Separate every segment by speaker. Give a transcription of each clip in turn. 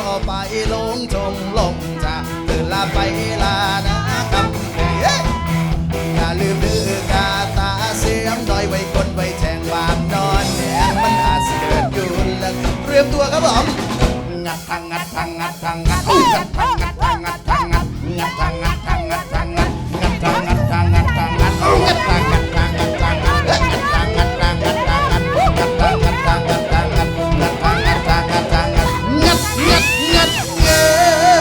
Speaker 1: ไปลงชงลงจะตื่นลาไปลานะครับอย่าลืมดื้อกาตาเสียมดอยไว้คนไว้แจงวางนอนแดงมันอาจเสือนอยู่แล้วเตรียมตัวครับผมงัดทางงัดทางงัดทางงัดงัดทางงัดทางงัดทางงัดงัดทางงัดทางงัดทางงัดงัดทางงัดทางงัดทางงัดงัดทางงัดทางงัดทางงัดงัดทางงัดทางงัดทางงัดงัดทางงัดทางงัดทางงัดงัดทางงัดทางงัดทางงัดงัดงัดงัดงัด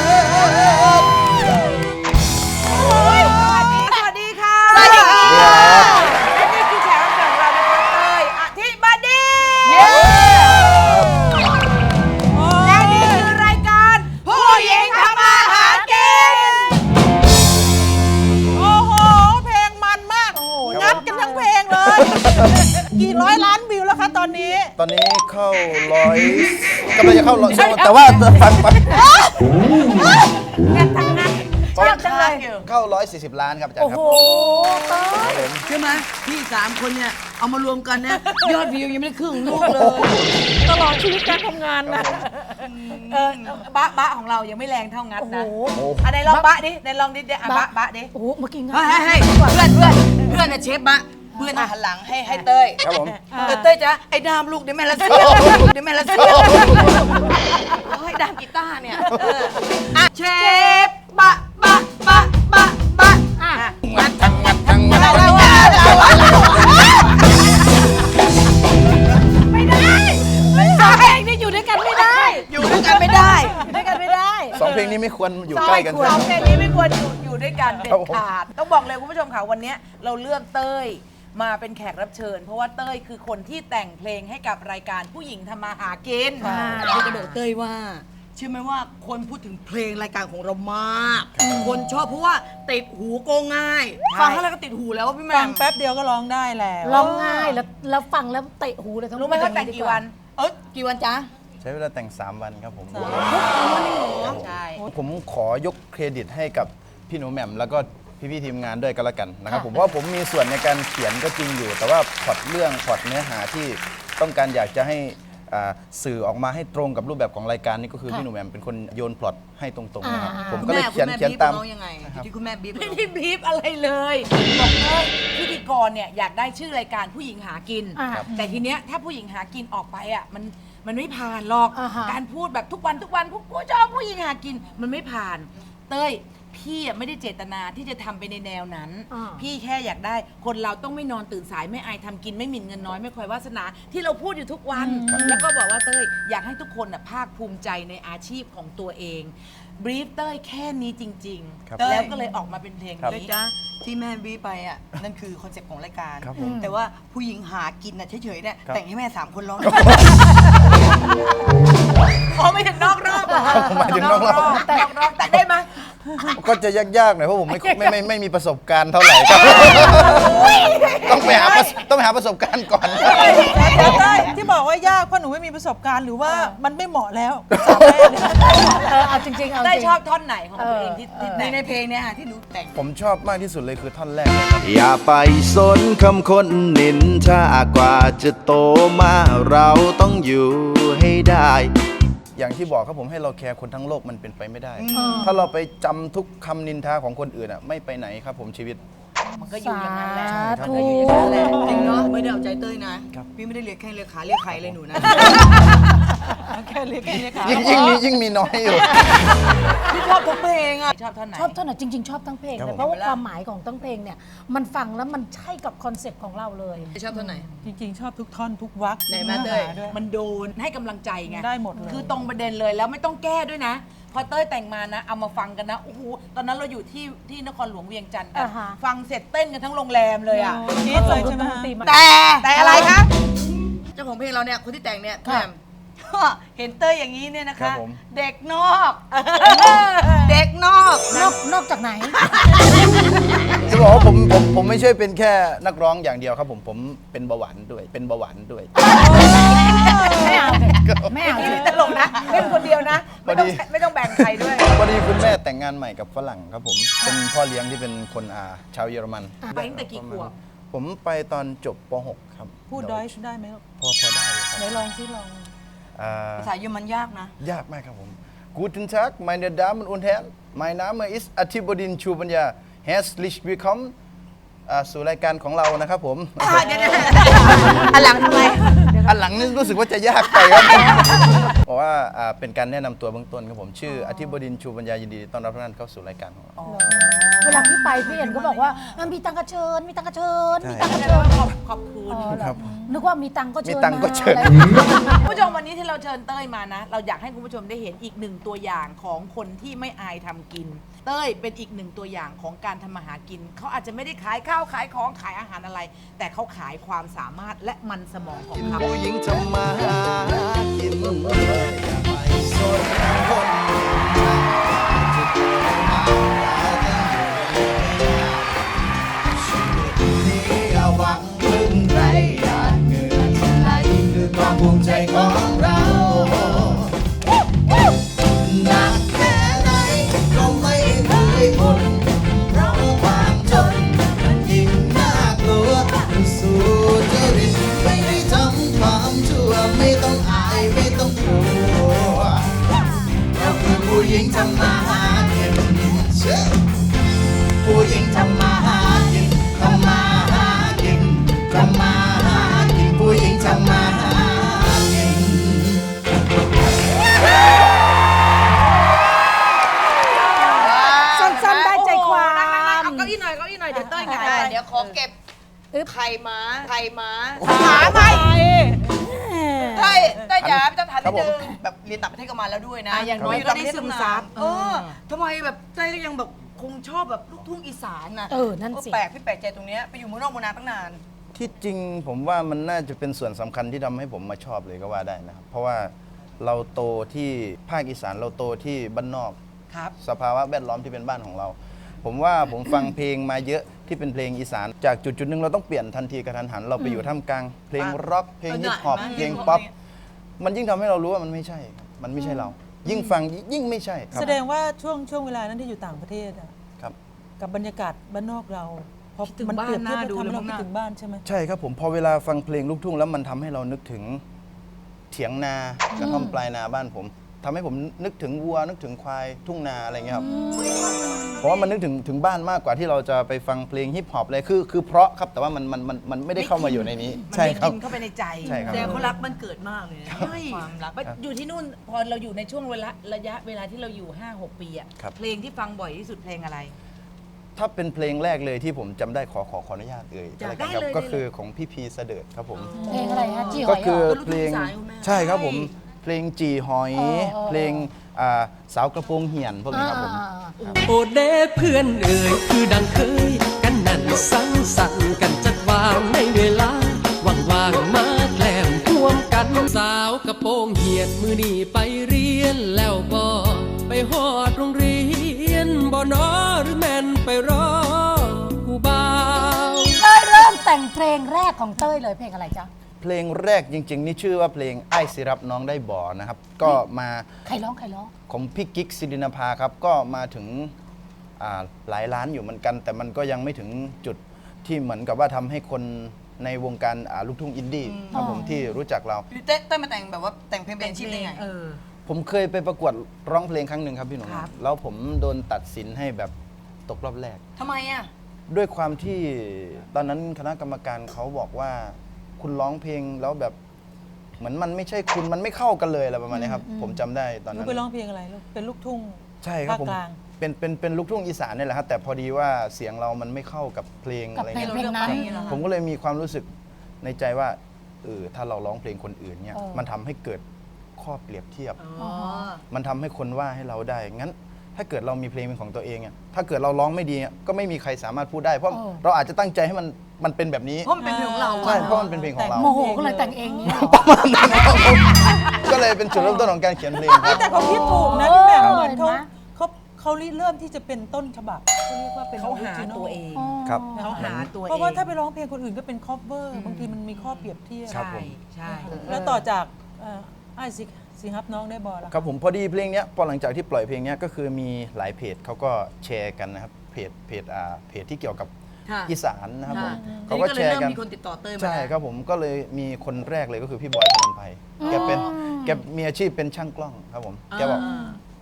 Speaker 2: สวัสดีค่ะสวัสดีค่ะและนี่คือแขกรับเชิญของเรานะคะเต้ยอธิบดีและนี่คือรายการผู้หญิงทำมาหากินโอ้โหเพลงมันมากงัดกันทั้งเพลงเลยกี่ร้อยล้านวิวแล้วคะตอนนี้
Speaker 1: เข้าร้อยกำลังจะเข้าร้อยแต่ว่าฟัง
Speaker 2: งัดทั้งนั้นเชื่อจังเลย
Speaker 1: เข้า140 ล้านครับอาจารย์ครับ
Speaker 2: โอ้โห
Speaker 3: ใช่ไหมพี่3 คนเนี่ยเอามารวมกันเนี่ยยอดวิวยังไม่ได้ครึ่งลูกเลย
Speaker 2: ตลอดชีวิตการทำงานนะบะของเรายังไม่แรงเท่างัดนะไหนลองบะดิไหนลองดิบะดิ
Speaker 3: โอ้โหเมื่อกี้งัดให้เพื่อนเชฟบะเพื่อนหันหลังให้เต้ย
Speaker 1: ครับผม
Speaker 3: เต้ยจ้ะไอ้ดามลูกเดี๋ยวแม่ละเสียให้ดามกีตาร์เนี่ยเชฟบะ
Speaker 1: งัดทางงัดทางงัด
Speaker 2: ไม่ได้สองเพลงนี่อยู่ด้วยกันไม่ได้
Speaker 1: สองเพลงนี้ไม่ควรอยู่ใกล้กัน
Speaker 2: สองเพลงนี้ไม่ควรอยู่ด้วยกันเด็ดขาดต้องบอกเลยคุณผู้ชมค่ะวันนี้เราเลือกเต้ยมาเป็นแขกรับเชิญเพราะว่าเต้ยคือคนที่แต่งเพลงให้กับรายการผู้หญิงทำมาหากิน
Speaker 3: เราจะบอกเต้ยว่าเชื่อไหมว่าคนพูดถึงเพลงรายการของเรามากคนชอบเพราะว่าติดหูก็ง่ายฟังแล้วก็ติดหูแล้วพี่แม่
Speaker 2: ฟังแป๊บเดียวก็ร้องได้แล้ว
Speaker 4: ร้องง่ายแล้วฟังแล้วเตะหูเลยทั้ง
Speaker 2: รู้ไหมว่าแต่งกี่วัน
Speaker 3: กี่วันจ๊ะ
Speaker 1: ใช้เวลาแต่ง3 วันครับผม
Speaker 2: ใช่
Speaker 1: ผมขอยกเครดิตให้กับพี่หนูแหม่มแล้วก็พี่ทีมงานด้วยกันละกันนะครับผมเพราะผมมีส่วนในการเขียนก็จริงอยู่แต่ว่าพล็อตเนื้อหาที่ต้องการอยากจะให้สื่อออกมาให้ตรงกับรูปแบบของรายการนี่ก็คือพี่หนูแหม่มเป็นคนโยนพล็อตให้ตรงๆนะครับผมก็เลยเขียนตาม
Speaker 3: ที่คุณแม่บีบ
Speaker 2: ไม่ได้บีบอะไรเลยบอกเลยพิธีกรเนี่ยอยากได้ชื่อรายการผู้หญิงหากินแต่ทีเนี้ยถ้าผู้หญิงหากินออกไปอ่ะมันไม่ผ่านหรอกการพูดแบบทุกวันผู้ชอบผู้หญิงหากินมันไม่ผ่านเต้ยพี่ไม่ได้เจตนาที่จะทำไปในแนวนั้นพี่แค่อยากได้คนเราต้องไม่นอนตื่นสายไม่อายทำกินไม่หมิ่นเงินน้อยไม่คอยวาสนาที่เราพูดอยู่ทุกวันแล้วก็บอกว่าเต้ยอยากให้ทุกคนภาคภูมิใจในอาชีพของตัวเองบรีฟเต้ยแค่นี้จริงๆแล้วก็เลยออกมาเป็นเพลงนี้
Speaker 3: จ้าที่แม่บีไปอ่ะนั่นคือคอนเซ็ปต์ของรายการแต่ว่าผู้หญิงหากินน่ะเฉยๆเนี่ยแต่งให้แม่3 คนร้อง
Speaker 2: ไม่ถึงนอกรอบเหรอ
Speaker 1: ไม่ถึงนอกรอบ
Speaker 2: แต่ได้ไหม
Speaker 1: ก็จะยากๆหน่อยเพราะผมไม่มีประสบการณ์เท่าไหร่ครับต้องไปหาประสบการณ์ก่อน
Speaker 2: ที่บอกว่ายากเพราะหนูไม่มีประสบการณ์หรือว่ามันไม่เหมาะแล้ว
Speaker 4: เอาจริง
Speaker 2: ได้ชอบท่อนไหนของตัวเองที่
Speaker 3: ในเพลงเนี่ยที่หนูแต่ง
Speaker 1: ผมชอบมากที่สุดเลยคือท่อนแรกอย่าไปสนคำคนนินทากว่าจะโตมาเราต้องอยู่ให้ได้อย่างที่บอกครับผมให้เราแคร์คนทั้งโลกมันเป็นไปไม่ได้ถ้าเราไปจำทุกคำนินทาของคนอื่นไม่ไปไหนครับผมชีวิต
Speaker 2: มันก็อยู่อย่างนั้นแหละ
Speaker 3: มันก็อยู่อย่างนั้นแหละจริงเนาะไม่ได้เอาใจเต้ยนะพี่ไม่ได้เรียกแข้งเรียกขาเรียกไข่เลยหนูนะ
Speaker 2: แค่เรียกขา
Speaker 1: ยิ่งมีน้อยอยู่
Speaker 3: พี่ชอบทุกเพลงอ่ะ
Speaker 4: ชอบท่อนไหนจริงๆชอบทั้งเพลงเลยเพราะว่าความหมายของทั้งเพลงเนี่ยมันฟังแล้วมันใช่กับคอนเซ็ปต์ของเราเลย
Speaker 3: ชอบท่อนไหน
Speaker 2: จริงๆชอบทุกท่อนทุกวรรค
Speaker 3: ไหนมาเต้ย
Speaker 2: มันโดนให้กำลังใจไง
Speaker 4: ได้หมดเลย
Speaker 2: คือตรงประเด็นเลยแล้วไม่ต้องแก้ด้วยนะพอเต้ยแต่งมานะเอามาฟังกันนะโอ้โหตอนนั้นเราอยู่ที่นครหลวงเวียงจันทร์กันฟังเสร็จเต้นกันทั้งโรงแรมเลยอ่ะ
Speaker 4: คิดเลยใช่ไหม
Speaker 2: แต่อะไรคะ
Speaker 3: เจ้าของเพลงเราเนี่ยคนที่แต่งเนี่ย
Speaker 2: เห็นเต้ยอย่างนี้เนี่ยนะคะเด็กนอก
Speaker 4: นอกจากไหน
Speaker 1: จะบอกว่าผมไม่ใช่เป็นแค่นักร้องอย่างเดียวครับผมเป็นเบาหวานด้วย
Speaker 4: ไม่เอา
Speaker 2: นี่ตลกนะเล่นคนเดียวนะไม่ต้องแบ่งใครด้วย
Speaker 1: พอดีคุณแม่แต่งงานใหม่กับฝรั่งครับผมเป็นพ่อเลี้ยงที่เป็นคนชาวเยอรมัน
Speaker 2: ไปตั้งแต่กี่ขวบ
Speaker 1: ผมไปตอนจบป .6 ครับ
Speaker 2: พูดได้ไหม
Speaker 1: พอได้ครับ
Speaker 2: ไหนลองซิลอง
Speaker 3: ภาษาเยอรมันยากนะ
Speaker 1: ยากมากครับผม Guten Tag, meine Damen und Herren. Mein Name ist Atibodin Chubanya. Herzlich willkommen สู่รายการของเรานะครับผม
Speaker 3: อันหลังทำไม
Speaker 1: อันหลังนี่รู้สึกว่าจะยากไปครับเพราะว่าเป็นการแนะนำตัวเบื้องต้นครับผมชื่ออธิบดินชูปัญญายินดีต้อนรับทุกท่านเข้าสู่รายการของเรา
Speaker 4: เวลาพี่ไปพี่เอ็นก็บอกว่ามีตังกระเชิญมีตังกระเชิญมีตังกระ
Speaker 2: แสด
Speaker 4: เชิ
Speaker 2: ง
Speaker 4: ญ
Speaker 2: ว่าขอบคุณ
Speaker 1: ครับ
Speaker 4: นึกว่ามีตังก็เชิญ
Speaker 1: มีตังก็เชิญ
Speaker 4: อะไรอย่างเงี้ย
Speaker 2: คุณผู้ชมวันนี้ที่เราเชิญเต้ยมานะ เราอยากให้คุณผู้ชมได้เห็นอีกหนึ่งตัวอย่างของคนที่ไม่อายทำกิน เต้ยเป็นอีกหนึ่งตัวอย่างของการทำมาหากินเขาอาจจะไม่ได้ขายข้าวขายของขายอาหารอะไร แต่เขาขายความสามารถและมันสมองของเขา
Speaker 1: ผู้หญิงทำมาหากินอย่าไปสนคนจะเกิดมาชีวิตนี้อย่าหวังพึ่งใครหยาดเหงื่อที่ไหลคือความภูมิใจของเราหนักแค่ไหนก็ไม่เคยบ่นเพราะความจนมันยิ่งน่ากลัวสู้จริตไม่ได้ทำความชั่วไม่ต้องอายไม่ต้องกลัวเราคือผู้หญิงทำมาหากินผู้หญิงทำมาหากินทำมาหากินทำมาหากินผู้หญิงทำมาหากิน
Speaker 4: สั้นๆได้ใจความ
Speaker 2: เอาเก้าอี้หน่อยเก้าอี้หน่อยเดี๋ยวเต้ยไง
Speaker 3: เดี๋ยวขอเก็บไข่ม้า
Speaker 2: หาไป
Speaker 3: ใช่แต่อย่าจะถามนิดนึงแบบเรียนต่างประเทศก็มาแล้วด้วยนะ
Speaker 2: อย่างน้อยก็ได้ซึมซับ
Speaker 3: ทำไมแบบใจก็ยังแบบคงชอบแบบลูกทุ่งอีสานนะ
Speaker 4: นั่นสิ
Speaker 3: แปลกพี่แปลกใจตรงเนี้ยไปอยู่เมืองนอกเมืองนาตั้งนาน
Speaker 1: ที่จริงผมว่ามันน่าจะเป็นส่วนสำคัญที่ทำให้ผมมาชอบเลยก็ว่าได้นะครับ เพราะว่าเราโตที่ภาคอีสานเราโตที่บ้านนอก
Speaker 3: ครับ
Speaker 1: สภาวะแวดล้อมที่เป็นบ้านของเรา ผมว่าผมฟังเพลงมาเยอะที่เป็นเพลงอีสาน จากจุดๆหนึ่งเราต้องเปลี่ยนทันทีกระทันหันเราไปอยู่ท่ามกลางเพลงร็อกเพลงฮิปฮอปเพลงป๊อปมันยิ่งทำให้เรารู้ว่ามันไม่ใช่ครับมันไม่ใช่เรา ยิ่งฟังยิ่งไม่ใช่ครับ
Speaker 5: แสดงว่าช่วงเวลานั้นที่อยู่ต่างประเทศอะ
Speaker 1: ครับ
Speaker 5: กับบรรยากาศบ้านนอกเราพอ
Speaker 2: คิดถึง
Speaker 5: มัน
Speaker 2: บ้าน
Speaker 5: เปรียบเทียบ
Speaker 2: น่าดู
Speaker 5: ทำให้
Speaker 2: เลย
Speaker 5: เรา
Speaker 2: มั้ง
Speaker 5: คิด
Speaker 2: น่ะ
Speaker 5: ถึงบ้านใช่ไหม
Speaker 1: ใช่ครับผมพอเวลาฟังเพลงลูกทุ่งแล้วมันทำให้เรานึกถึงเถียงนากระท่อมปลายนาบ้านผมทำให้ผมนึกถึงวัวนึกถึงควายทุ่งนาอะไรเงี้ยครับเพราะว่ามันนึกถึงบ้านมากกว่าที่เราจะไปฟังเพลงฮิปฮอปเลยคือเพราะครับแต่ว่ามันไม่ได้เข้ามาอยู่ในนี้
Speaker 2: มัน
Speaker 1: ใช่
Speaker 2: ไม่
Speaker 1: ครับ
Speaker 2: กินเข้าไปในใจ
Speaker 1: ใช่ครับ
Speaker 3: แต่เขารักมันเกิดมากเลยนะ
Speaker 2: ใช่
Speaker 3: ความรัก
Speaker 2: อยู่ที่นู่นพอเราอยู่ในช่วงระยะเวลาที่เราอยู่ 5-6 ปีอะ
Speaker 1: ครับ
Speaker 2: เพลงที่ฟังบ่อยที่สุดเพลงอะไร
Speaker 1: ถ้าเป็นเพลงแรกเลยที่ผมจำได้ขออนุญาตเอ่ย
Speaker 2: จ้ะ
Speaker 1: อะไรกันครั
Speaker 2: ได้เลย
Speaker 1: ก็คือของพี่พีเสดิร์ดครับผม
Speaker 4: เพลงอะไรฮะจีห
Speaker 1: ก็
Speaker 4: อยเหร
Speaker 1: คือ
Speaker 4: อ
Speaker 1: เพลง
Speaker 3: ลูกทุ่งสายคุณแม่
Speaker 1: ใช่ครับผมเพลงจีหอย เพลงสาวกระโปรงเหี่ยนพวกนี้ครับผม
Speaker 6: โอเดเพื่อนเอ่ยคือดังเคย กันนั่นสังสรรค์กันจัดวางในเวลาว่างๆมาแกล้มร่วมกันสาวกระโปรงเหียนมือนี่ไปเรียนแล้วบ่ไปฮอดโรงเรียนบ่นอหรือแม่นไปรอผู้บ่าว
Speaker 4: เต้ยเริ่มแต่งเพลงแรกของเต้ยเลยเพลงอะไรจ๊ะ
Speaker 1: เพลงแรกจริง ๆ นี่ชื่อว่าเพลงไอ้สิรับน้องได้บ่อนะครับ ก็มา
Speaker 4: ใครร้อง
Speaker 1: ของพี่กิ๊กสิรินภาครับ ก็มาถึงหลายล้านอยู่เหมือนกัน แต่มันก็ยังไม่ถึงจุดที่เหมือนกับว่าทำให้คนในวงการลูกทุ่งอินดี้ครับผมที่รู้จักเรา
Speaker 3: เต้ยมาแต่งแบบว่าแต่งเพลงเป็นอาชีพได้ไง
Speaker 1: ผมเคยไปประกวดร้องเพลงครั้งหนึ่งครับพี่หนุ่ม
Speaker 2: ครับ
Speaker 1: แล้วผมโดนตัดสินให้แบบตกรอบแรก
Speaker 3: ทำไมอ่ะ
Speaker 1: ด้วยความที่ตอนนั้นคณะกรรมการเขาบอกว่าคุณร้องเพลงแล้วแบบเหมือนมันไม่ใช่คุณมันไม่เข้ากันเลยอะไรประมาณนี้ครับ ผมจำได้ตอน
Speaker 5: หนู
Speaker 1: นั้น
Speaker 5: ไปร้องเพลงอะไรลูกเป็นลูกทุ่ง
Speaker 1: ใช่ครับ
Speaker 5: ภาค
Speaker 1: ผม
Speaker 5: กลาง
Speaker 1: เป็นลูกทุ่งอีสานนี่แหละครับแต่พอดีว่าเสียงเรามันไม่เข้ากับเพลง
Speaker 4: กับ
Speaker 1: อะไร
Speaker 4: เพลง
Speaker 1: เงี้ย
Speaker 4: เพลงนั้น
Speaker 1: ผมก็เลยมีความรู้สึกในใจว่าถ้าเราร้องเพลงคนอื่นเนี่ย มันทำให้เกิดข้อเปรียบเทียบ มันทำให้คนว่าให้เราได้ งั้น ถ้าเกิดเรามีเพลงเป็นของตัวเองอะถ้าเกิดเราร้องไม่ดีอะก็ไม่มีใครสามารถพูดได้ เพราะเราอาจจะตั้งใจให้มันเป็นแบบนี้
Speaker 3: เพราะมันเป็นเพลงของเรา
Speaker 1: ใช่ เพราะมันเป็นเพลงของเรา
Speaker 4: โมโหก็เลยแต่งเองนี่เหรอ
Speaker 1: ก็เลยเป็นจุดเริ่มต้นของการเขียนเพลงครับ
Speaker 5: แต่เขาคิดถูกนะพี่แหม่ม
Speaker 4: เออ
Speaker 5: เหมือนเขา
Speaker 4: เห็นไหม
Speaker 5: เขาเริ่มที่จะเป็นต้นฉบับเขาเรียกว่าเป็น
Speaker 2: เขาหา
Speaker 5: original
Speaker 2: ตัวเอง
Speaker 1: ครับ
Speaker 2: เขาหาตัวเอง
Speaker 5: เพราะว่าถ้าไปร้องเพลงคนอื่นก็เป็น cover บางทีมันมีข้อเปรียบเทียบ
Speaker 1: ครับ
Speaker 2: ใช่
Speaker 1: ผม
Speaker 2: ใช่
Speaker 5: แล้วต่อจากไอ้สิฮับน้องได้บอลแล้ว
Speaker 1: ครับผมพอดีเพลงเนี้ยพอหลังจากที่ปล่อยเพลงเนี้ยก็คือมีหลายเพจเขาก็แชร์กันนะครับเพจที่เกี่ยวกับ
Speaker 3: ค่ะ
Speaker 1: อีสานนะครับผม
Speaker 3: ที
Speaker 1: เขา
Speaker 3: นี้
Speaker 1: ก็
Speaker 3: ก็เล
Speaker 1: แช
Speaker 3: ย
Speaker 1: ร์
Speaker 3: เริ่ม
Speaker 1: กัน
Speaker 3: มีคนติดต่อเต้ยมา
Speaker 1: ใช่ครับผมก็เลยมีคนแรกเลยก็คือพี่บอยธนนไพแกมีอาชีพเป็นช่างกล้องครับผมแกบอกผ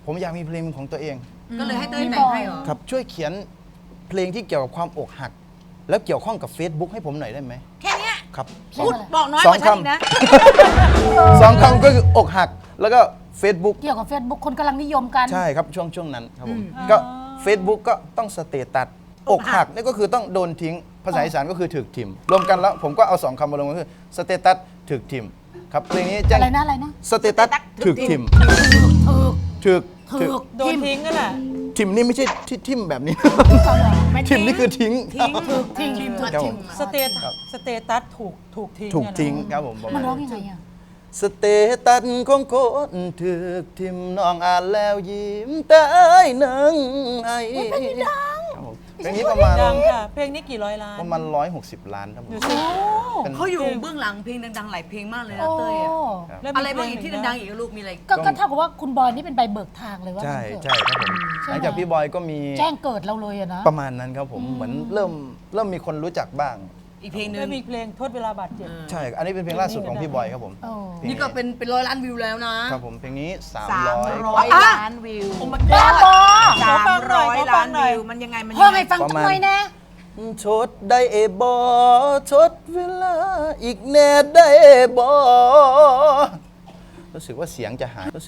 Speaker 1: ผมอยากมีเพลงของตัวเอง
Speaker 3: ก็เลยให้เต้ยแต่งให้เหรอ
Speaker 1: ครับช่วยเขียนเพลงที่เกี่ยวกับความอกหัก แล้วเกี่ยวข้องกับ Facebook ให้ผมหน่อยได้ไหม
Speaker 2: แค่เนี้ย
Speaker 1: ครับ
Speaker 2: พูดบอกน้อยกว่าฉันอีกนะ
Speaker 1: สองคำก็คืออกหัก แล้วก็ Facebook
Speaker 4: เกี่ยวกับ Facebook คนกำลังนิยมกัน
Speaker 1: ใช่ครับช่วงนั้นครับผมก็ Facebook ก็ต้องสเตตัสอกหักนี่ก็คือต้องโดนทิ้งภาษาอีสานก็คือถึกทิมรวมกันแล้วผมก็เอา2คำมาลงก็คือสเตตัสถึกทิมครับเพลงนี้แจ้ง
Speaker 4: อะไรนะอะไรนะ
Speaker 1: สเตตัสถึกทิมถึก
Speaker 4: ถูก
Speaker 5: โดนทิ้งกันแหละ
Speaker 1: ทิมนี่ไม่ใช่ที่ทิมแบบนี้ ทิมนี่คือทิ้ง
Speaker 4: ถูกทิ้ง
Speaker 1: ครับผม
Speaker 5: สเตตัสถูกทิ้ง
Speaker 1: ถูก
Speaker 5: อะนะ
Speaker 1: ทิ้งครับผมประ
Speaker 4: มั
Speaker 1: มาน ณ
Speaker 4: ร้อง
Speaker 1: นั้น
Speaker 4: ยังไงอ่ะ
Speaker 1: สเตตัสของคนถึกทิมน้องอ่านแล้วยิ้มตายนังไอครับผมเพลงนี้ประมาณ
Speaker 5: ดังค่ะ เพลงนี้กี่ร้อยล้าน
Speaker 1: ประมาณ160 ล้านครับผม
Speaker 5: ดูสิ
Speaker 1: เป็น
Speaker 3: เขาอยู่เบื้องหลังเพลงดังๆหลายเพลงมากเลยนะเต้ยอะ
Speaker 5: แล้ว
Speaker 3: อะไรบ้าง
Speaker 5: มี
Speaker 3: อีก
Speaker 5: เพล
Speaker 3: ที่ดังๆอีกอะลูกมีอะไร
Speaker 4: ก็เท่ากับว่าคุณบอยนี่เป็นใบเบิกทางเลยว่า
Speaker 1: ใช่
Speaker 4: งั้นเถอะ
Speaker 1: ใช่ครับผมหลังจากพี่บอยก็มี
Speaker 4: แจ้งเกิดเราเลยอะนะ
Speaker 1: ประมาณนั้นครับผมเหมือนเริ่มมีคนรู้จักบ้าง
Speaker 3: อีกเพลงหนึ
Speaker 5: แล้ว
Speaker 3: ง
Speaker 5: มีเพลงโทษเวลาบาดเจ็บ
Speaker 1: ใช่ อันนี้เป็นเพลงล่าสุดของพี่บอยครับผม
Speaker 4: โอ้
Speaker 1: พลง
Speaker 3: นี่ก็เป็นร้อยล้านวิวแล้วนะครับ
Speaker 1: ผมเพลงนี้
Speaker 2: 300 ล้านวิว
Speaker 4: บ้าบอ
Speaker 2: 300 ล้านวิวมันยังไงมัน
Speaker 4: พ่อ
Speaker 2: ยังไง
Speaker 4: ให้ฟัง
Speaker 1: ประ
Speaker 4: จัง
Speaker 1: มาณ
Speaker 4: หน่อยนะ
Speaker 1: ชดได้บอชดเวลาอีกแน่ได้บอรู้สึกว่าเสียงจะหายเ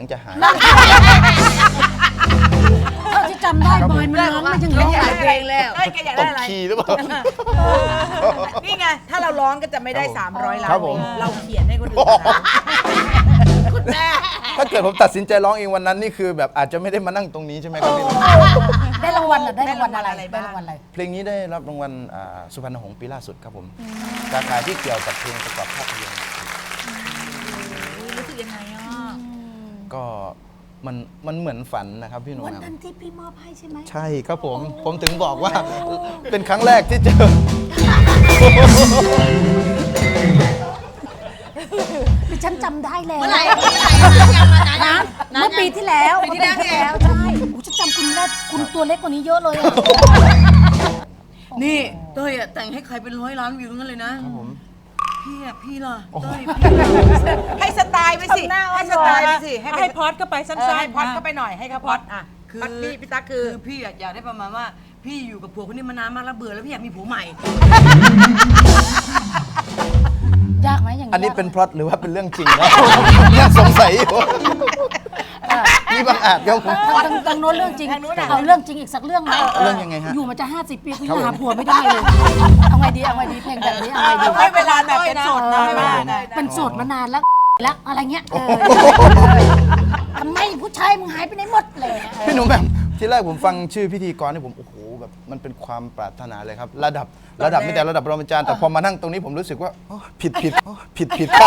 Speaker 4: เท่าที่จำได้บอยมันร้องมาอย่าง
Speaker 3: ร้
Speaker 4: นี้
Speaker 3: องหลายเพลงแล้ว
Speaker 2: เต้ยแกอยาก
Speaker 1: ต
Speaker 2: ได้
Speaker 1: ก
Speaker 2: อะไร
Speaker 1: คีย์หรือเปล่า
Speaker 2: นี่ไง ถ้าเราร้องก็จะไม่ได้ 300 ล้าน
Speaker 1: ครับผม
Speaker 2: เราเขียนให้คนอื่นนะคุณแม่
Speaker 1: ถ้าเกิดผมตัดสินใจร้องเองวันนั้นนี่คือแบบอาจจะไม่ได้มานั่งตรงนี้ใช่ไหมครับพี่
Speaker 4: ได้รางวัลอะได้รางวัลอะไรได้รางวัลอะไร
Speaker 1: เพลงนี้ได้รับรางวัลสุพรรณหงส์ปีล่าสุดครับผมสาขาที่เกี่ยวกับเพลงประกอบภาพยนตร์
Speaker 2: รู้สึกยังไงอ่ะ
Speaker 1: ก็มันเหมือนฝันนะครับพี่หนุ่ม
Speaker 4: วัน
Speaker 1: ครับ
Speaker 4: นั้นที่พี่มอบให้ใช่ไหม
Speaker 1: ใช่ครับผมถึงบอกว่าเป็นครั้งแรกที่เจอ
Speaker 4: ดิฉันจำได้แล้ว
Speaker 3: เมื่อไหร่
Speaker 4: นะเมื่อปีที่แล้วใช่โอ้ฉันจำคุณได้คุณตัวเล็กกว่านี้เยอะเลยอะ
Speaker 3: นี่เต้ยอะแต่งให้ใครเป็นร้อยล้านวิวทั้งนั้นเลยนะครับ
Speaker 1: ผม
Speaker 3: พี่ล่ะเต้ย
Speaker 2: ให้สไตล์ไปสิ ให้สไตล์ไปสิ
Speaker 5: ให้พอดก็ไปสั้น
Speaker 2: ให้
Speaker 5: ๆ
Speaker 2: พอดก็ไปหน่อยให้เขาพอดอ่ะ
Speaker 3: คือ
Speaker 2: พอดพี่ตั๊กคือ
Speaker 3: พี่อยากได้ประมาณว่าพี่อยู่กับผัวคนนี้มานานมากแล้วเบื่อแล้วพี่อยากมีผัวใหม่
Speaker 4: ยากไหมอย่าง
Speaker 1: อันนี้เป็นพล็อตหรือว่าเป็นเรื่องจริงนะ ยังสงสัยอยู่นี่บางอาจครับผม
Speaker 4: ทางโน้นเรื่องจริงเอาเรื่องจริงอีกสักเรื่องไหม
Speaker 1: เรื่องยังไงฮะ
Speaker 4: อยู่มาจะ50 ปีคุณยังหาผัวไม่ได้เลยเอาไงดีเพลงแบบนี้เอาไงดี
Speaker 2: ให้เวลาแบบเป็นโสดนะ
Speaker 4: เป็นโสดมานานแล้วอะไรเงี้ยทำไมผู้ชายมึงหายไปไหนหมดเลย
Speaker 1: พี่หนุ่มแบบที่แรกผมฟังชื่อพิธีกรนี่ผมโอ้โหแบบมันเป็นความปรารถนาเลยครับ ระดับไม่แต่ระดับรองอาจารย์แต่พอมานั่งตรงนี้ผมรู้สึกว่าอ๋อผิดครับ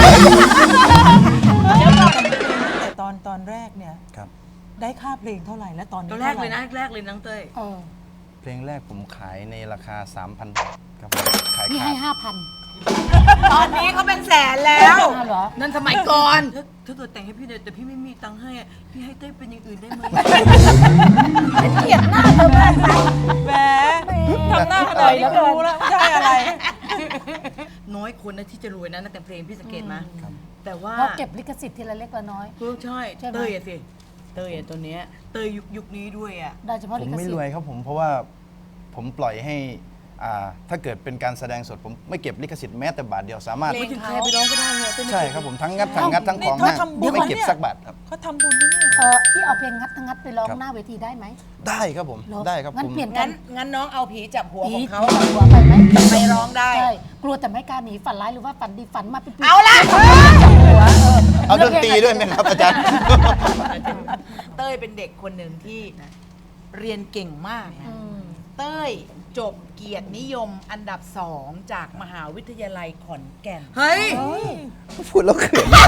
Speaker 5: แต่ตอนแรกเนี่ย
Speaker 1: ครับ
Speaker 5: ได้ค่าเพลงเท่าไหร่และตอนนี้
Speaker 3: ตอนแรกเลยนะแรกเลยน้องเต้ย
Speaker 1: เพลงแรกผมขายในราคา 3,000 บาทครับผมขาย
Speaker 4: พี่
Speaker 1: ขา
Speaker 4: ให้
Speaker 1: ด
Speaker 4: 5,000
Speaker 2: ตอนนี้เขาเป็นแสนแล้ว
Speaker 4: เหรอ
Speaker 3: นั่นสมัยก่อนถ้าเกิดแต่งให้พี่เลยแต่พี่ไม่มีตังค์ให้อะพี่ให้เต้ยเป็นอย่างอื่นได้ไหม
Speaker 4: เกลียดหน้าเธอมาก
Speaker 5: แหมทำหน้าขนาดนี้ก็รู้แล้วไม่ใช่อะไร
Speaker 3: น้อยคนนะที่จะรวยนะนักแต่งเพลงพี่สังเกตไหมแต่ว่า
Speaker 4: เพราะเก็บลิขสิทธิ์ทีละเล็กละน้อย
Speaker 3: ใช่
Speaker 4: ใช่ไหม
Speaker 3: เต้ยอะสิเต้ยอะตัวเนี้ยเต้ยยุคนี้ด้วยอะ
Speaker 4: ได้เฉพาะ
Speaker 1: ผ
Speaker 4: ลิ
Speaker 1: ม
Speaker 4: ข
Speaker 1: ไม่
Speaker 4: สิท
Speaker 1: รวย
Speaker 4: ธิ์
Speaker 1: ครับผมเพราะว่าผมปล่อยให้ถ้าเกิดเป็นการแสดงสดผมไม่เก็บลิขสิทธิ์แม้แต่บาทเดียวสามารถ
Speaker 3: ไม่ถึงใครไปร้องก็ได้เนี่ยเต้ยไม่
Speaker 1: ใช่ครับผมทั้งงัดทั้งของ
Speaker 5: นี่
Speaker 1: ห้าง
Speaker 5: เขาทำบุญ
Speaker 1: ไม่เก็บ
Speaker 5: เนี่ย
Speaker 1: สักบาทครับ
Speaker 5: เขาทำบุญนะเนี่ย
Speaker 4: พี่เอาเพลงงัดไปร้อง
Speaker 1: ครับ
Speaker 4: หน้าเวทีได้ไหม
Speaker 1: ได้ครับผม
Speaker 4: เหรอ
Speaker 1: ได้ครับ
Speaker 4: งั้
Speaker 1: ผ
Speaker 4: น
Speaker 1: ม
Speaker 4: เปลี่ยนกั
Speaker 2: งั้นน้องเอาผีจับหัวของเขา
Speaker 4: ผีหัวไปไหม
Speaker 2: ไปร้องได้
Speaker 4: ใช่กลัวแต่ไม่กล้าหนีฝันร้ายหรือว่าฝันดีฝันมาเป็นปี
Speaker 2: เอาละ
Speaker 1: เอาดนตรีด้วยไหมครับอาจารย์
Speaker 2: เต้ยเป็นเด็กคนหนึ่งที่เรียนเก่งมากนะเต้ยจบเกียรตินิยมอันดับ 2 จากมหาวิทยาลัยขอนแก่น
Speaker 3: เฮ้ย
Speaker 1: พูดแล้วเขิน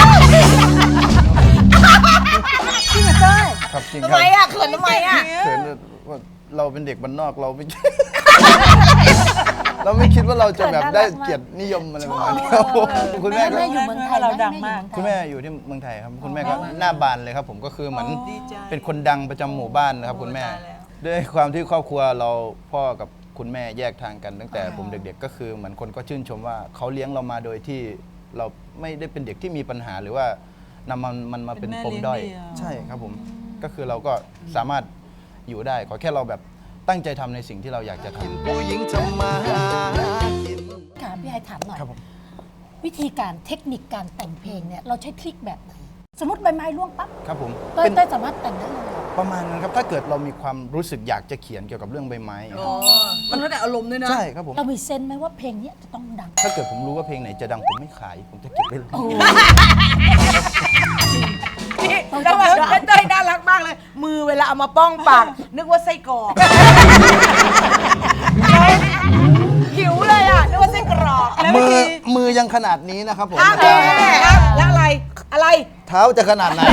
Speaker 4: จริงเหรอเต้ย
Speaker 1: ครับจริงค
Speaker 2: ทำ
Speaker 1: รับ
Speaker 2: ไมอ่ะเขินทำไมอ่ะ
Speaker 1: เขินว่าเราเป็นเด็กบ้านนอกเราไม่ เราไม่คิดว่าเราจะแบบได้เกียรตินิยมอะไรประมาณนี้ครับผมคุณแม่ก็
Speaker 4: แม่อยู่เมืองไทย
Speaker 5: เรา
Speaker 4: ไห
Speaker 5: ดังมาก
Speaker 1: คุณแม่อยู่ที่เมืองไทยครับคุณแม่ก็หน้าบานเลยครับผมก็คือเหมือนเป็นคนดังประจำหมู่บ้านนะครับคุณแม่ ด้วยความที่ครอบครัวเราพ่อกับคุณแม่แยกทางกันตั้งแต่ผมเด็กๆก็คือเหมือนคนก็ชื่นชมว่าเขาเลี้ยงเรามาโดยที่เราไม่ได้เป็นเด็กที่มีปัญหาหรือว่า
Speaker 7: นำมันมาเป็น
Speaker 5: เป็นแม่
Speaker 7: ปมด้อย
Speaker 5: เลี้ยงเดี่ยว
Speaker 7: ใช่ครับผมก็คือเราก็สามารถอยู่ได้ขอแค่เราแบบตั้งใจทำในสิ่งที่เราอยากจะทำ
Speaker 1: ผู้หญิงทำมาหากิน
Speaker 4: ค่ะพี่ไอถามหน่อย
Speaker 7: ครับผม
Speaker 4: วิธีการเทคนิคการแต่งเพลงเนี่ยเราใช้ทริคแบบไหนสมมติใบไม้ร่วงปั๊บ
Speaker 7: ครับผม
Speaker 4: เต้ย
Speaker 7: เป็น
Speaker 4: เต้ยสามารถแต่งได้เลยเหรอ
Speaker 7: ประมาณนั้นครับถ้าเกิดเรามีความรู้สึกอยากจะเขียนเกี่ยวกับเรื่องใบไม้
Speaker 3: อ๋อ มันแล้วแต่อารมณ์ด้วยนะ
Speaker 7: ใช่ครับผม
Speaker 4: เรามีเซนส์ไหมว่าเพลงเนี้ยจะต้องดัง
Speaker 7: ถ้าเกิดผมรู้ว่าเพลงไหนจะดังผมไม่ขาย ผมจะเก็บไว้เลย
Speaker 2: นี่แล้วเต้ยน่ารักมากเลย มือเวลาเอามาป้องปาก นึกว่าไส้กรอกหิวเลยอ่ะ นึกว่าไส้กรอก
Speaker 7: มือยังขนาดนี้นะครับผม
Speaker 2: แล้วอะไร อะไร
Speaker 7: เท้าจะขนาดไหน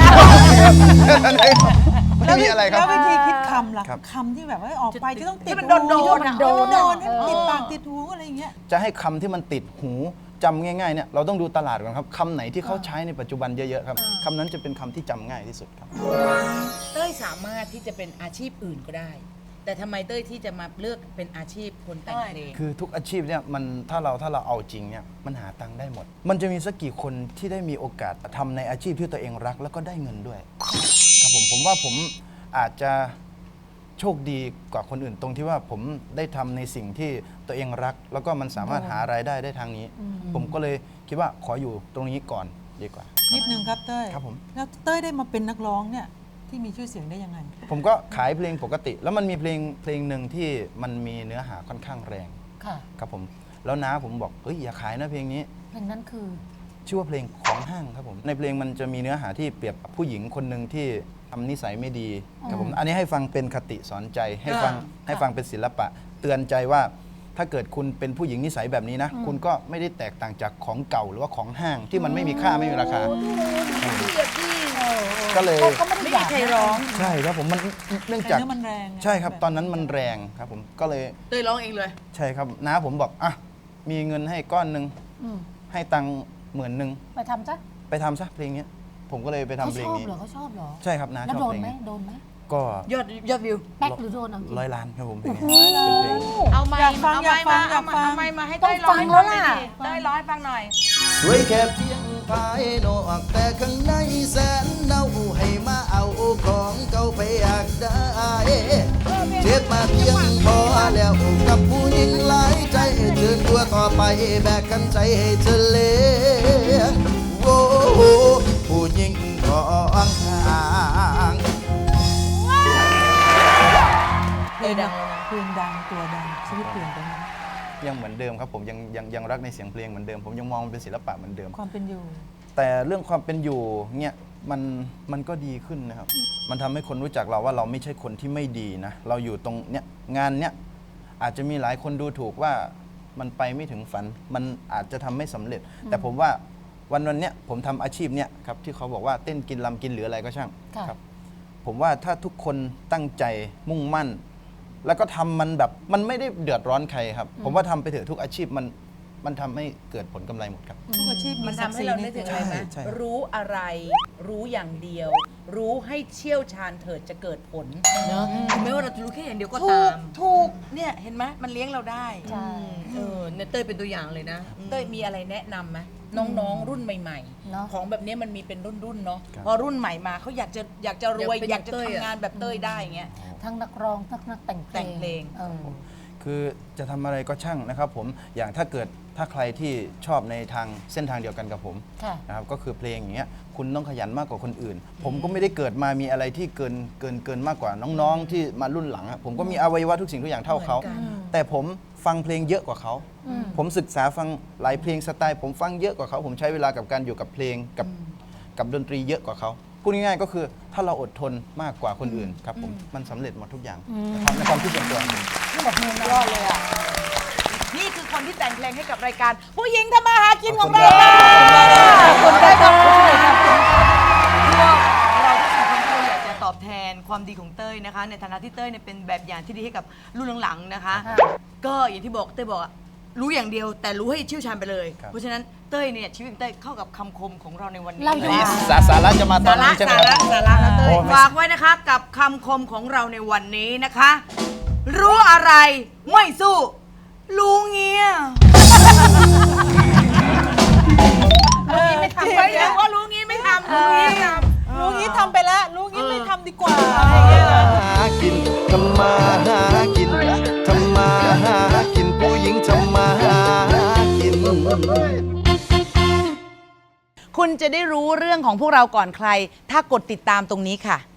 Speaker 7: ไม่มีอะไรครับ
Speaker 5: แล้ววิธีคิดคำล่ะ
Speaker 7: ครับ
Speaker 5: คำที่แบบว่าออกไปจะต้องติด
Speaker 2: ที่มันโดนๆ
Speaker 5: หู
Speaker 2: อะ
Speaker 5: โดน
Speaker 4: โดน
Speaker 5: ให้มันติดปากติดหูอะไรอย่างเงี้ย
Speaker 7: จะให้คำที่มันติดหูจำง่ายๆเนี่ยเราต้องดูตลาดก่อนครับคำไหนที่เขาใช้ในปัจจุบันเยอะๆครับคำนั้นจะเป็นคำที่จำง่ายที่สุดครับ
Speaker 2: เต้ยสามารถที่จะเป็นอาชีพอื่นก็ได้ แต่ทำไมเต้ยที่จะมาเลือกเป็นอาชีพคนแต่งเพลง
Speaker 7: คือทุกอาชีพเนี่ยมันถ้าเราเอาจริงเนี่ยมันหาตังค์ได้หมด มันจะมีสักกี่คนที่ได้มีโอกาสทำในอาชีพที่ตัวเองรักแล้วก็ได้เงินด้วยครับผมว่าผมอาจจะโชคดีกว่าคนอื่นตรงที่ว่าผมได้ทำในสิ่งที่ตัวเองรัก แล้วก็มันสามารถหารายได้ได้ทางนี้ ผมก็เลยคิดว่าขออยู่ตรงนี้ก่อนดีกว่า
Speaker 5: นิดนึงครับเต้ย
Speaker 7: ครับผม
Speaker 5: แล้วเต้ยได้มาเป็นนักร้องเนี่ยที่มีชื่อเสียงได้ยังไง
Speaker 7: ผมก็ขายเพลงปกติ แล้วมันมีเพลงหนึ่งที่มันมีเนื้อหาค่อนข้างแรง
Speaker 4: ค่ะ
Speaker 7: ครับผมแล้วน้าผมบอกเฮ้ยอย่าขายนะเพลงนี้
Speaker 4: เพลงนั้นคือ
Speaker 7: ชื่อว่าเพลงของห้างครับผมในเพลงมันจะมีเนื้อหาที่เปรียบกับผู้หญิงคนหนึ่งที่ทำนิสัยไม่ดีครับผมอันนี้ให้ฟังเป็นคติสอนใจให้ฟังเป็นศิลปะ เตือนใจว่าถ้าเกิดคุณเป็นผู้หญิงนิสัยแบบนี้นะ คุณก็ไม่ได้แตกต่างจากของเก่าหรือว่าของห้างที่มันไม่มีค่าไม่มีราคา ก็เลย
Speaker 4: ก็ไม่ได้อยาก
Speaker 2: ใครร้อง
Speaker 7: ใช่ครับผมมันเนื่อง
Speaker 5: แต่
Speaker 7: จาก
Speaker 5: เนื้อมันแรง
Speaker 7: ใช่ครับตอนนั้นมันแรงครับผมก็เลย
Speaker 3: เต้ยร้องเองเลย
Speaker 7: ใช่ครับน้าผมบอกอ่ะมีเงินให้ก้อนหนึ่ง
Speaker 4: อืม
Speaker 7: ให้ตังค์10,000
Speaker 4: ไปทำซะ
Speaker 7: ไปทำซะเพลงเนี้ยผมก็เลยไปทำ
Speaker 4: เขา
Speaker 7: เพล
Speaker 4: ช
Speaker 7: ง
Speaker 4: อบ
Speaker 7: นี้
Speaker 4: เหรอเขาชอบเหรอ
Speaker 7: ใช่ครับน้า
Speaker 4: แล้ว
Speaker 7: ชอบ
Speaker 4: โดน
Speaker 7: เพลง
Speaker 4: ไหม
Speaker 7: นี้
Speaker 4: โดนไหม
Speaker 7: ก็
Speaker 3: ยอดวิว
Speaker 4: แป๊กหรือโดนเอาจริง
Speaker 7: 100 ล้านครับผมเพลงนี้เป็นเพลง
Speaker 2: เอาไม้
Speaker 5: อยากฟัง
Speaker 2: เอา
Speaker 5: อยาก
Speaker 2: ไม้
Speaker 5: ฟั
Speaker 2: มาง
Speaker 5: อยากฟัง
Speaker 2: เอาไม้มาให้
Speaker 4: ต้
Speaker 2: เต้
Speaker 4: อง
Speaker 2: ยร้อง
Speaker 4: ฟั
Speaker 2: ให้
Speaker 4: ง
Speaker 2: ฟั
Speaker 4: แล้
Speaker 2: ง
Speaker 4: ว
Speaker 2: หน่
Speaker 4: ล่ะ
Speaker 2: อยดิเต้ยร้องให้ฟังหน่อย
Speaker 1: สวยแค่เพียงภายนอกแต่ข้างในแสนเน่าให้มาเอาของเก่าไปอยากได้เจ็บมาเพียงพอแล้วกับผู้หญิงหลายใจเดินตัวต่อไปแบกกันใจให้เธอเลี้ยงโอ้โหผู้หญิงของห่าง
Speaker 5: เพลงดังเพลงดังตัวดังชีวิตเปลี่ยนไปไหม
Speaker 7: ยังเหมือนเดิมครับผมยังรักในเสียงเพลงเหมือนเดิมผมยังมองมันเป็นศิลปะเหมือนเดิม
Speaker 5: ความเป็นอยู่
Speaker 7: แต่เรื่องความเป็นอยู่เนี่ยมันก็ดีขึ้นนะครับ มันทำให้คนรู้จักเราว่าเราไม่ใช่คนที่ไม่ดีนะ เราอยู่ตรงเนี้ยงานเนี้ยอาจจะมีหลายคนดูถูกว่ามันไปไม่ถึงฝัน มันอาจจะทำไม่สำเร็จ แต่ผมว่าวันเนี้ยผมทำอาชีพเนี้ยครับที่เขาบอกว่าเต้นกินลำกินหรืออะไรก็ช่าง
Speaker 4: ค่ะ
Speaker 7: ครับ ผมว่าถ้าทุกคนตั้งใจมุ่งมั่น แล้วก็ทำมันแบบมันไม่ได้เดือดร้อนใครครับ ผมว่าทำไปเถอะทุกอาชีพมันทำให้เกิดผลกำไรหมดครับ
Speaker 5: ทุกอาชีพ
Speaker 2: มัน
Speaker 5: ศัก
Speaker 2: ทำ
Speaker 5: ดิ์ศ
Speaker 2: ให้
Speaker 5: รี
Speaker 2: เรา
Speaker 5: ใน
Speaker 2: นึกถึ
Speaker 5: ตัว
Speaker 2: งอะไรไหม
Speaker 7: ใช่
Speaker 2: รู้อะไร รู้อย่างเดียว รู้ให้เชี่ยวชาญเถิดจะเกิดผล
Speaker 3: เนอะถึงแม้ว่าเราจะรู้แค่อย่างเดียวก็
Speaker 2: ถู
Speaker 3: ตาก ม
Speaker 2: ถูกเนี่ยเห็นไหมมันเลี้ยงเราได้
Speaker 4: ใช่
Speaker 3: เนี่ยเต้ยเป็นตัวอย่างเลยนะ
Speaker 2: เต้ยมีอะไรแนะนำไหมน้องๆรุ่นใหม่
Speaker 4: เนอะ
Speaker 2: ๆ ของแบบนี้มันมีเป็นรุ่นๆเนาะ
Speaker 7: ครับ
Speaker 2: พอรุ่นใหม่มาเขาอยากจะรวย
Speaker 3: อยากเป็น
Speaker 2: อยากจะ
Speaker 3: เต้ยอะ
Speaker 2: ทำงานแบบเต้ยได้อย่างเงี้ย
Speaker 4: ทั้งนักร้องทั้งนักแต่งเพลง
Speaker 2: แต่งเพลง
Speaker 4: เออ
Speaker 7: คือจะทำอะไรก็ช่างนะครับผมอย่างถ้าใครที่ชอบในทางเส้นทางเดียวกันกับผม
Speaker 4: ค่ะ
Speaker 7: นะครับก็คือเพลงอย่างเงี้ยคุณต้องขยันมากกว่าคนอื่น ผมก็ไม่ได้เกิดมามีอะไรที่เกินมากกว่าน้องๆที่มารุ่นหลังอะผมก็มีอวัยวะทุกสิ่งทุกอย่างเท่าเขา
Speaker 2: เหมือนกัน
Speaker 7: แต่ผมฟังเพลงเยอะกว่าเขา ผมศึกษาฟังหลายเพลงสไตล์ ผมฟังเยอะกว่าเขา ผมใช้เวลากับการอยู่กับเพลงกับดนตรีเยอะกว่าเขาพูดง่ายๆก็คือถ้าเราอดทนมากกว่าคนอื่นครับผมมันสำเร็จหมดทุกอย่างนะครับในความคิดส่วนตัวผม
Speaker 2: ยอดเลยอ่ะ นี่คือคนที่แต่งเพลงให้กับรายการ ผู้หญิงทำมาหากินของเรา
Speaker 3: ขอบคุณครับ เราทั้งสองคนก็อยากจะตอบแทนความดีของเต้ยนะคะ ในฐานะที่เต้ยเนี่ยเป็นแบบอย่างที่ดีให้กับรุ่นหลังๆนะคะ ก็อย่างที่บอกเต้ยบอกอะรู้อย่างเดียวแต่รู้ให้เชี่ยวชาญไปเลย
Speaker 7: ครับ
Speaker 3: เพราะฉะนั้นเต้ยเนี่ยชีวิตของเต้ยเข้ากับคำคมของเราในวันนี้
Speaker 4: เราอยู่
Speaker 7: อันนี้สาระจะมาตอนนี้ใช่ไหมครับ
Speaker 3: สาระนะเต้ย
Speaker 7: โอ้ไม่
Speaker 3: ฝากไว้นะคะกับคำคมของเราในวันนี้นะคะ รู้อะไรไม่สู้รู้เงี้ย
Speaker 2: ไม่ทำไว้แล้วว่ารู้งี้ไม่ทำ
Speaker 5: รู้งี้ทำไปแล้วรู้งี้ไม่ทำดีกว่าอะไรอย่างเงี้ยนะ
Speaker 1: หากินทำมาหากินทำมาหากินผู้หญิงทำมาหากิน
Speaker 2: คุณจะได้รู้เรื่องของพวกเราก่อนใคร ถ้ากดติดตามตรงนี้ค่ะ